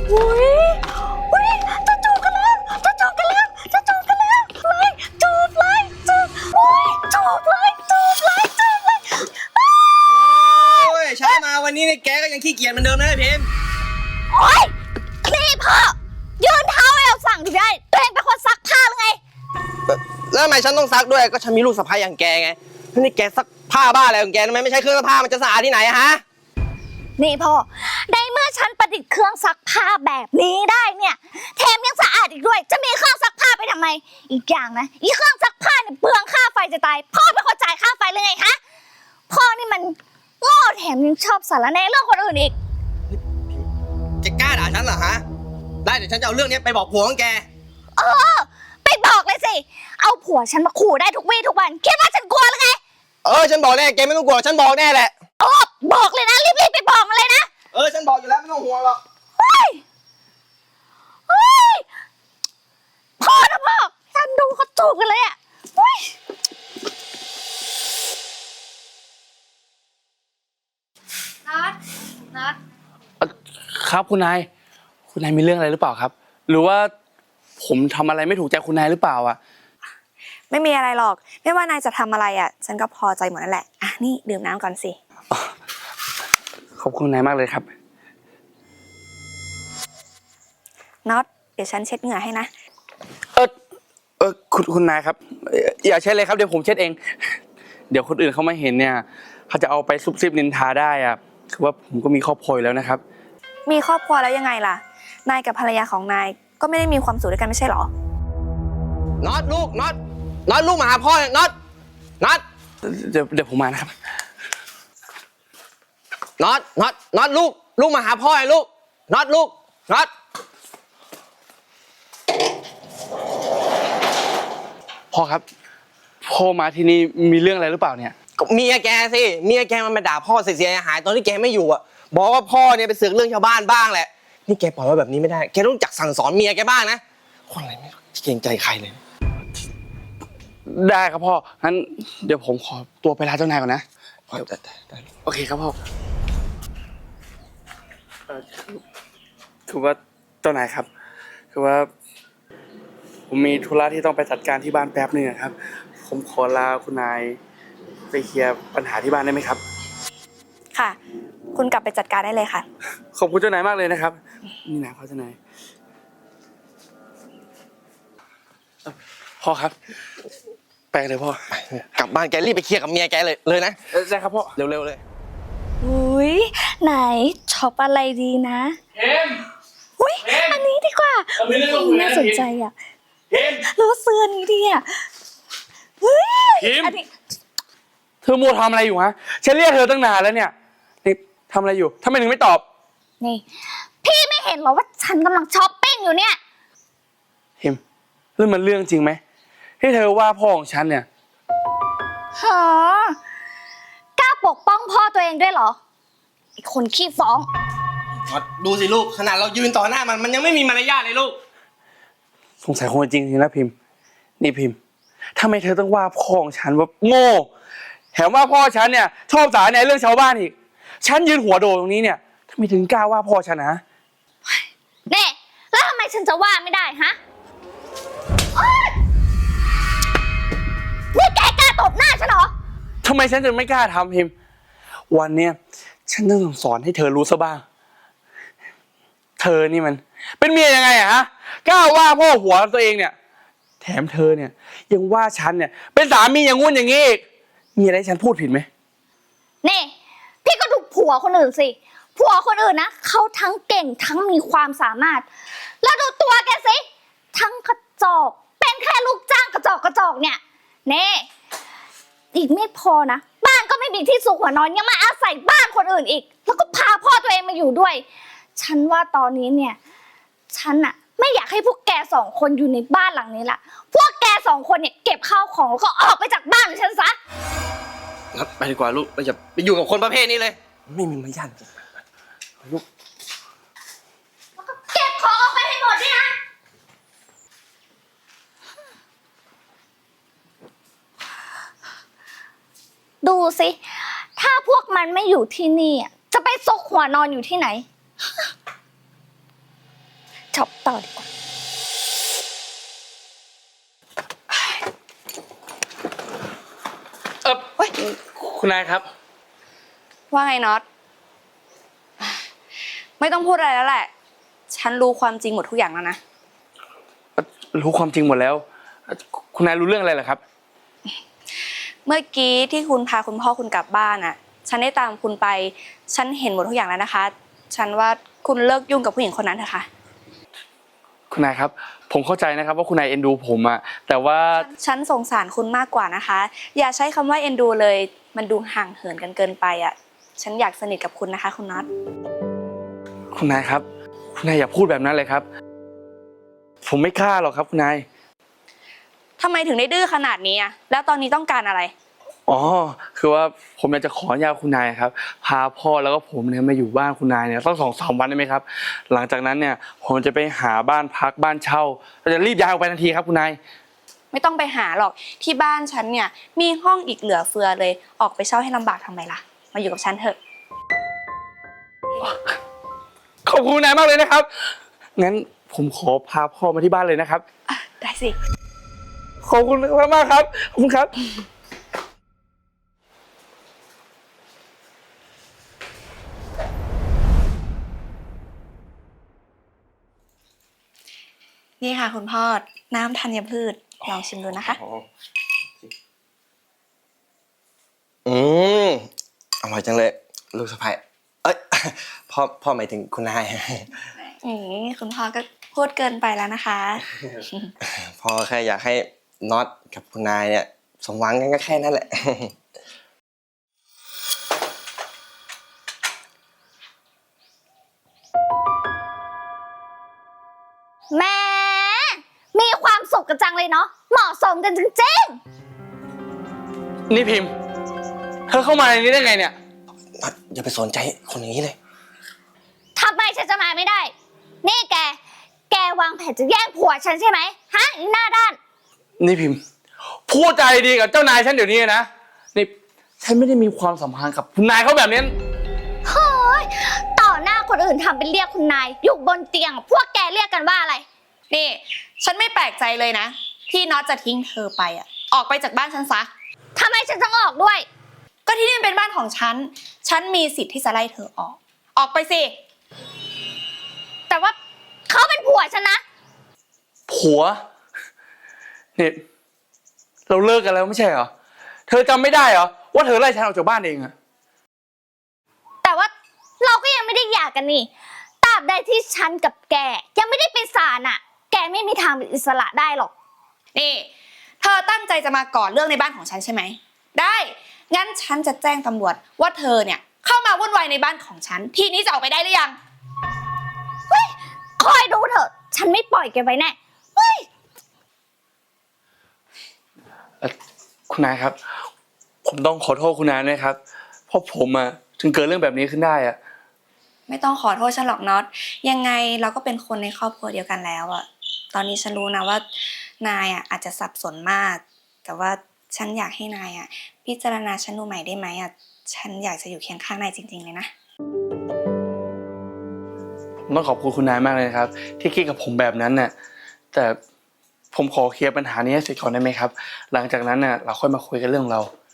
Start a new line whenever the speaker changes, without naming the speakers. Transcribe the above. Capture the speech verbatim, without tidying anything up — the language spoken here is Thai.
อุ้ยอุ้ยจะจูบกันแล้วจะจูบกันแล้วจะจูบกันแล้วเลยจูบเลยจูบอุ้ยจูบเลยจูบเลยจูบเลย
โอ้ยใช้มาวันนี้เนี่ยแกก็ยังขี้เกียจเหมือนเดิมนะพิมพ์
โอ้ยนี่พ่อยืนเท้าเอวสั่งถึงได้ตัวเองเป็นคนซักผ้าหรือไง
แล้วทำไมฉันต้องซักด้วยก็ฉันมีลูกสะใภ้อย่างแกไงนี่แกซักผ้าบ้าอะไรของแกทำไมไม่ใช้เครื่องซักผ้ามันจะสะอาดที่ไหนฮะ
นี่พ่อในเมื่อฉันประดิษฐ์เครื่องซักผ้าแบบนี้ได้เนี่ยแถมยังสะอาดอีกด้วยจะมีเครื่องซักผ้าไปทำไมอีกอย่างนะอีเครื่องซักผ้าเนี่ยเปลืองค่าไฟจะตายพ่อเป็นคนจ่ายค่าไฟเลยไงฮะพ่อนี่มันโง่แถมยังชอบสารแหน่เรื่องคนอื่นอีก
จะกล้าด่าฉันเหรอฮะได้เดี๋ยวฉันจะเอาเรื่องนี้ไปบอกผัวของแก
เออไปบอกเลยสิเอาผัวฉันมาขู่ได้ทุกวี่ทุกวันคิดว่าฉันกลัวหรือไง
เออฉันบอกแน่แกไม่ต้องกลัวฉันบอกแน่แหละ
โอ้บอกเลยนะรีบๆไปบอกมาเลยนะ
เออฉันบอกอยู่แล้วไม่ต้องห่วงหรอก
เฮ้ยเฮ้ยพ่อนะพ่อฉันดูเขาจูบกันเลยอ่ะเฮ้ยนัดนัด
ครับคุณนายคุณนายมีเรื่องอะไรหรือเปล่าครับหรือว่าผมทำอะไรไม่ถูกใจคุณนายหรือเปล่าอ่ะ
ไม่มีอะไรหรอกไม่ว่านายจะทำอะไรอ่ะฉันก็พอใจหมดนั่นแหละอ่ะนี่ดื่มน้ำก่อนสิ
ขอบคุณนายมากเลยครับ
น็อตเดี๋ยวฉันเช็ดเหงื่อให้นะ
เออเออคุณคุณนายครับอย่าเช็ดเลยครับเดี๋ยวผมเช็ดเองเดี๋ยวคนอื่นเขามาเห็นเนี่ยเขาจะเอาไปซุบซิบนินทาได้อ่ะคือว่าผมก็มีครอบครัวแล้วนะครับ
มีครอบครัวแล้วยังไงล่ะนายกับภรรยาของนายก็ไม่ได้มีความสุขด้วยกันไม่ใช่หรอ
น็อตลูกน็อตน็อตลูกมาหาพ่อเนี่ยน็อตน็อต
เดี๋ยวเดี๋ยวผมมานะครับ
น็อตน็อตน็อตลูกลูกมาหาพ่อไอ้ลูกน็อตลูกน็อต
พ่อครับพ่อมาที่นี่มีเรื่องอะไรหรือเปล่าเนี่ย
เมียแกสิเมียแกมันมาด่าพ่อเสียหายตอนที่แกไม่อยู่อ่ะบอกว่าพ่อเนี่ยไปเสือกเรื่องชาวบ้านบ้างแหละนี่แกปล่อยไว้แบบนี้ไม่ได้แกต้องจักสั่งสอนเมียแกบ้างนะคนอะไรไม่เกรงใจใครเลย
ได้ครับพ่องั้นเดี๋ยวผมขอตัวไปลาเจ้านายก่อนนะได้ได้โอเคครับพ่อคือว่าเจ้านายครับคือว่าผมมีธุระที่ต้องไปจัดการที่บ้านแป๊บนึงครับผมขอลาคุณนายไปเคลียร์ปัญหาที่บ้านได้ไหมครับ
ค่ะคุณกลับไปจัดการได้เลยค่ะ
ขอบคุณเจ้านายมากเลยนะครับนี่นะพ่อเจ้านายพ่อครับไปเลยพ่อก
ลับบ้านแกรีบไปเคลียร์กับเมียแกเลยเลยนะ
ได้ครับพ่อ
เร็วๆเลย
อุ้ยไหนช็อปอะไรดีนะ
เอ็ม
อุ้ยอันนี้ดีกว่าน่าสนใจอ่ะแล้วเสื้อนี้ดีอ่ะเฮ้ยอันนี้
เธอมัวทำอะไรอยู่ฮะฉันเรียกเธอตั้งนานแล้วเนี่ยนี่ทำอะไรอยู่ทำไมถึงไม่ตอบ
นี่พี่ไม่เห็นหรอว่าฉันกำลังช้อปปิ้งอยู่เนี่ย
เอ็มเรื่องมันเรื่องจริงไหมที่เธอว่าพ่อของฉันเนี่ย
ฮะกล้าปกป้องพ่อตัวเองด้วยเหรอไอ้คนขี้ฟ้อง
ดูสิลูกขนาดเรายืนต่อหน้ามันมันยังไม่มีมารยาทเลยลูก
สงสัยคงจริงจริงนะพิมพ์นี่พิมพ์ทำไมเธอต้องว่าพ่อของฉันว่าโง่แถมว่าพ่อฉันเนี่ยชอบสารในเรื่องชาวบ้านอีกฉันยืนหัวโดตรงนี้เนี่ยทำไมถึงกล้าว่าพ่อฉันนะ
เน่แล้วทำไมฉันจะว่าไม่ได้ฮะนี่แกกล้าตบหน้าฉันเหรอ
ทำไมฉันจะไม่กล้าทำพิมพ์วันเนี้ยฉันต้องสอนให้เธอรู้ซะบ้างเธอนี่มันเป็นเมียยังไงอะฮะกล้าว่าพ่อหัวตัวเองเนี่ยแถมเธอเนี่ยยังว่าฉันเนี่ยเป็นสามีอย่างงู้นอย่างงี้อีกมีอะไรฉันพูดผิดไหม
นี่พี่ก็ดูผัวคนอื่นสิผัวคนอื่นนะเขาทั้งเก่งทั้งมีความสามารถแล้วดูตัวแกสิทั้งกระจอกเป็นแค่ลูกจ้างกระจอกกระจอกเนี่ยเน่อีกไม่พอนะบ้านก็ไม่มีที่สุขหัวนอนยังมาอาศัยบ้านคนอื่นอีกแล้วก็พาพ่อตัวเองมาอยู่ด้วยฉันว่าตอนนี้เนี่ยฉันอะไม่อยากให้พวกแกสองคนอยู่ในบ้านหลังนี้ละพวกแกสองคนเนี่ยเก็บข้าวของแล้วก็ออกไปจากบ้านของฉันซะ
ไปดีกว่าลูกเราจะไปอยู่กับคนประเภทนี้เลยไม่มีมารยาทลูก
แล้วก็เก็บของออกไปให้หมดด้วยนะดูสิถ้าพวกมันไม่อยู่ที่นี่จะไปซกหัวนอนอยู่ที่ไหนช็อปต่อดีกว่า
เออเฮ้ยคุณนายครับ
ว่าไงน็อต ไม่ต้องพูดอะไรแล้วแหละ ฉันรู้ความจริงหมดทุกอย่างแล้วนะ
รู้ความจริงหมดแล้ว คุณนายรู้เรื่องอะไรเหรอครับ
เมื่อกี้ที่คุณพาคุณพ่อคุณกลับบ้านอ่ะ ฉันได้ตามคุณไป ฉันเห็นหมดทุกอย่างแล้วนะคะ ฉันว่าคุณเลิกยุ่งกับผู้หญิงคนนั้นเถอะค่ะ
คุณนายครับ ผมเข้าใจนะครับว่าคุณนายเอ็นดูผมอะแต่ว่า
ฉันสงสารคุณมากกว่านะคะ อย่าใช้คำว่าเอ็นดูเลย มันดูห่างเหินกันเกินไปอ่ะ ฉันอยากสนิทกับคุณนะคะ คุณน็อต
คุณนายครับ คุณนายอย่าพูดแบบนั้นเลยครับ ผมไม่กล้าหรอกครับคุณนาย
ทำไมถึงได้ดื้อขนาดนี้อ่ะ แล้วตอนนี้ต้องการอะไร
อ๋อ คือว่าผมอยากจะขออนุญาตคุณนายครับ พาพ่อแล้วก็ผมเนี่ยมาอยู่บ้านคุณนายเนี่ยต้องสองสามวันได้ไหมครับ หลังจากนั้นเนี่ยผมจะไปหาบ้านพักบ้านเช่าเราจะรีบย้ายออกไปทันทีครับคุณนาย
ไม่ต้องไปหาหรอก ที่บ้านฉันเนี่ยมีห้องอีกเหลือเฟือเลย ออกไปเช่าให้ลำบากทำไมล่ะ มาอยู่กับฉันเถอะ
ขอบคุณคุณนายมากเลยนะครับ งั้นผมขอพาพ่อมาที่บ้านเลยนะครับ
อ่ะ ได้สิ
ขอบคุณมากๆครับ ขอบคุณครับ
นี่ค่ะคุณพ่อ น้ำธัญพืช ลองชิมดูนะคะ
อืมอร่อยจังเลยลูกสะใภ้เอ้ย พ่อพ่อหมายถึงคุณนาย
อืมคุณพ่อก็พูดเกินไปแล้วนะคะ
พ่อแค่อยากให้น็อตกับคุณนายเนี่ยสมหวังกันก็แค่นั้นแหละ
แหม่มีความสุขกันจังเลยเนาะ เหมาะสมกันจริง
นี่พิมพ์ เธอเข้ามาในนี้ได้ไงเนี่ย
น็อตอย่าไปสนใจคนอย่างนี้เลย
ๆทำไมฉันจะมาไม่ได้ นี่แก แกวางแผนจะแย่งผัวฉันใช่ไหมฮะอีหน้าด้าน
นี่พิมพ์ พูดใจดีกับเจ้านายฉันเดี๋ยวนี้นะ นี่ฉันไม่ได้มีความสัมพันธ์กับคุณนายเขาแบบนี้
เฮ้ย ต่อหน้าคนอื่นทำเป็นเรียกคุณนาย อยู่บนเตียง พวกแกเรียกกันว่าอะไร
นี่ ฉันไม่แปลกใจเลยนะ ที่น็อตจะทิ้งเธอไปอ่ะ ออกไปจากบ้านฉันซะ
ทำไมฉันต้องออกด้วย
ก็ที่นี่มันเป็นบ้านของฉัน ฉันมีสิทธิ์ที่จะไล่เธอออก ออกไปสิ
แต่ว่าเขาเป็นผัวฉันนะ
ผัวเนี่ยเราเลิกกันแล้วไม่ใช่เหรอ เธอจำไม่ได้เหรอว่าเธอไล่ฉันออกจากบ้านเองอะ
แต่ว่าเราก็ยังไม่ได้หย่ากันนี่ตราบใดที่ฉันกับแกยังไม่ได้เป็นศาลน่ะ แกไม่มีทางเป็นอิสระได้หรอก
นี่ เธอตั้งใจจะมาก่อเรื่องในบ้านของฉันใช่ไหม ได้ งั้นฉันจะแจ้งตำรวจว่าเธอเนี่ยเข้ามาวุ่นวายในบ้านของฉัน ทีนี้จะออกไปได้หรือยัง
คอยดูเถอะ ฉันไม่ปล่อยแกไว้แน่เฮ้ย
เอ่อคุณนายครับ ผมต้องขอโทษคุณนายด้วยครับ เพราะผมอะถึงเกิดเรื่องแบบนี้ขึ้นได้อะ
ไม่ต้องขอโทษฉันหรอกน็อต ยังไงเราก็เป็นคนในครอบครัวเดียวกันแล้วอะตอนนี้ฉันรู้นะว่านายอะอาจจะสับสนมาก แต่ว่าฉันอยากให้นายอะพิจารณาฉันดูใหม่ได้ไหมอะฉันอยากจะอยู่เคียงข้างนายจริงๆเลยนะ
ผมต้องขอบคุณคุณนายมากเลยนะครับ ที่คิดกับผมแบบนั้นน่ะแต่ผมขอเคลียร์ปัญหานี้ให้เสร็จก่อนได้ไหมครับ หลังจากนั้นน่ะเราค่อยมาคุยกันเรื่องเรา